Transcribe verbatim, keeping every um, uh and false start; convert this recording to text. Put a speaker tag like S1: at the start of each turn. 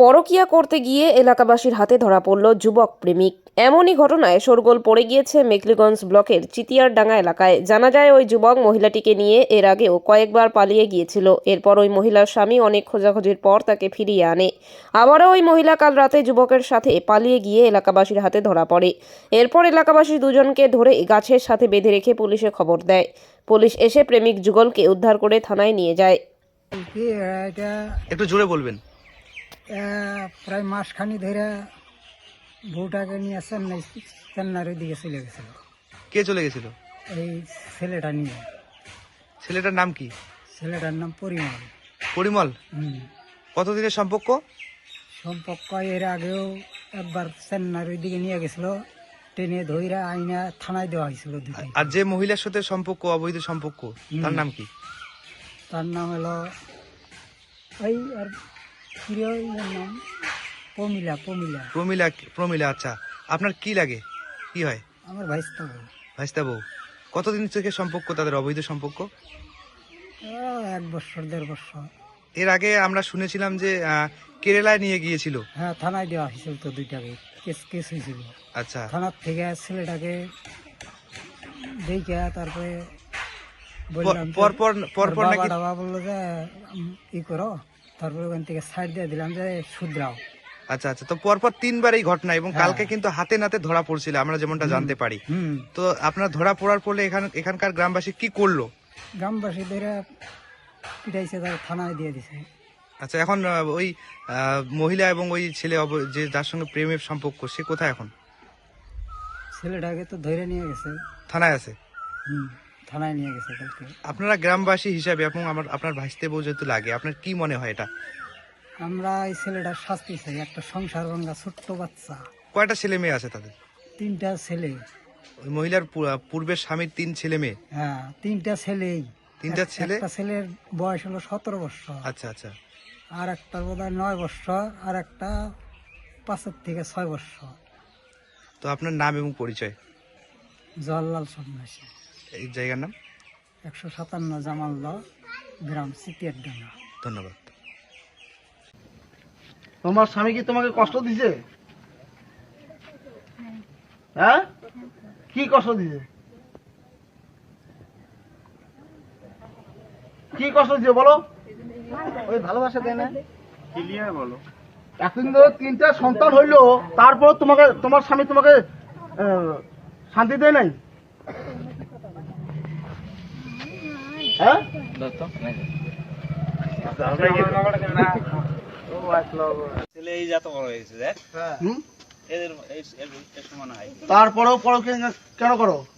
S1: পরকীয়া করতে গিয়ে এলাকাবাসীর হাতে ধরা পড়ল যুবক প্রেমিক। এমনই ঘটনায় শোরগোল পড়ে গিয়েছে মেঘলিগঞ্জ ব্লকের চিতিয়ারডাঙ্গা এলাকায়। জানা যায় ওই যুবক মহিলাটিকে নিয়ে এর আগেও কয়েকবার পালিয়ে গিয়েছিল। এরপর ওই মহিলার স্বামী অনেক খোঁজাখুঁজির পর তাকে ফিরিয়ে আনে। আবারও ওই মহিলা কাল রাতে যুবকের সাথে পালিয়ে গিয়ে এলাকাবাসীর হাতে ধরা পড়ে। এরপর এলাকাবাসী দুজনকে ধরে গাছের সাথে বেঁধে রেখে পুলিশে খবর দেয়। পুলিশ এসে প্রেমিক যুগলকে উদ্ধার করে থানায় নিয়ে যায়।
S2: কি এটা
S3: একটু জোরে বলবেন।
S2: আহ, প্রায় মাসখানি ধরে বউটাকে নিয়ে চেন্নাই চেন্নাইয়ের দিকে চলে গেছিল
S3: কে চলে গেছিল?
S2: এই ছেলেটা নিয়ে।
S3: ছেলেটার নাম কি?
S2: ছেলেটার নাম পরিমল।
S3: পরিমল।
S2: হুম
S3: কতদিনের সম্পর্ক?
S2: সম্পর্ক এর আগেও একবার চেন্নাইয়ের দিকে নিয়ে গেছিল, ট্রেনে ধইরা আইনা থানায় দেওয়া হয়েছিল দুটাই।
S3: আর যে মহিলার সাথে সম্পর্ক, অবৈধ সম্পর্ক, তার নাম কি?
S2: তার নাম হলো ওই আর প্রিয় নাম প্রমিলা। প্রমিলা
S3: প্রমিলা। প্রমিলা, আচ্ছা। আপনার কি লাগে? কি হয়?
S2: আমার ভাইস্তা বউ।
S3: ভাইস্তা বউ। কতদিন থেকে সম্পর্ক তাদের, অবৈধ সম্পর্ক?
S2: আহ, এক বছর দেড় বছর।
S3: এর আগে আমরা শুনেছিলাম যে আহ, কেরালায় নিয়ে গিয়েছিল।
S2: হ্যাঁ, থানায় দেওয়া হয়েছিল তো দুইটাকে, কেস কেস হয়েছিল।
S3: আচ্ছা।
S2: থানার থেকে ছেলেটাকে দেখে তারপরে বললাম যে-
S3: পর পর পর
S2: ওর
S3: পর
S2: বাবা
S3: নাকি?
S2: টাবা বললো যে উম, ই করো, তারপরে ওখান থেকে সাইড দিয়ে দিলাম যে শুধরাও।
S3: আচ্ছা আচ্ছা। তো পরপর তিনবার এই ঘটনা, এবং
S2: হ্যাঁ।
S3: কালকে কিন্তু হাতে নাতে ধরা পড়ছিল, আমরা যেমনটা জানতে পারি।
S2: হুম
S3: তো আপনার ধরা পড়ার পরে এখান এখানকার গ্রামবাসী কি করলো?
S2: গ্রামবাসী ধরে পিটাইছে, তার থানায় দিয়ে দিছে।
S3: আচ্ছা, এখন আহ, ওই আহ, মহিলা এবং ওই ছেলে অব- যে যার সঙ্গে প্রেমের সম্পর্ক, সে কোথায় এখন?
S2: ছেলেটাকে তো ধরে নিয়ে গেছে।
S3: থানায় আছে।
S2: হুম থানায় নিয়ে গেছে কালকে।
S3: আপনারা গ্রামবাসী হিসাবে এবং আমার আপনার ভাইস্তে বউ যেহেতু লাগে, আপনার কি মনে হয় এটা?
S2: আমরা এই ছেলেটার শাস্তি চাই, একটা সংসার ভাঙা ছোট্ট বাচ্চা,
S3: কয়টা ছেলে মেয়ে আছে তাদের?
S2: তিনটা ছেলে।
S3: ওই মহিলার পু- পূর্বের স্বামীর তিন ছেলে মেয়ে।
S2: হ্যাঁ, তিনটা ছেলেই।
S3: তিনটা
S2: এক-
S3: ছেলে?
S2: একটা ছেলের বয়স হলো সতেরো বছর,
S3: আচ্ছা আচ্ছা।
S2: আর একটা বোধ হয় নয় বছর, আর একটা পাঁচের থেকে ছয় বছর।
S3: তো আপনার নাম এবং পরিচয়?
S2: জওয়াহরলাল সন্ন্যাসী,
S3: এই জায়গার নাম?
S2: একশো সাতান্ন জামাল গ্রাম, চিতিয়ারডাঙ্গা।
S3: ধন্যবাদ।
S4: তোমার স্বামী কি তোমাকে কষ্ট দিছে? হ্যাঁ, কি কষ্ট দিছে? কি কষ্ট দিছে বলো? ওই ভালোবাসা দেয় না? ক্লিয়ার বলো। এখন তো তিনটা সন্তান হইলো, তারপর তোমাকে তোমার স্বামী তোমাকে আহ, শান্তি দেয় নাই? হ্যাঁ,
S5: ছেলে এই যত বড় হয়েছে দেখ,
S4: হুম?
S5: এদের এই- এর- এর সমান হয়।
S4: তারপরেও পরকীয়া কেন করো?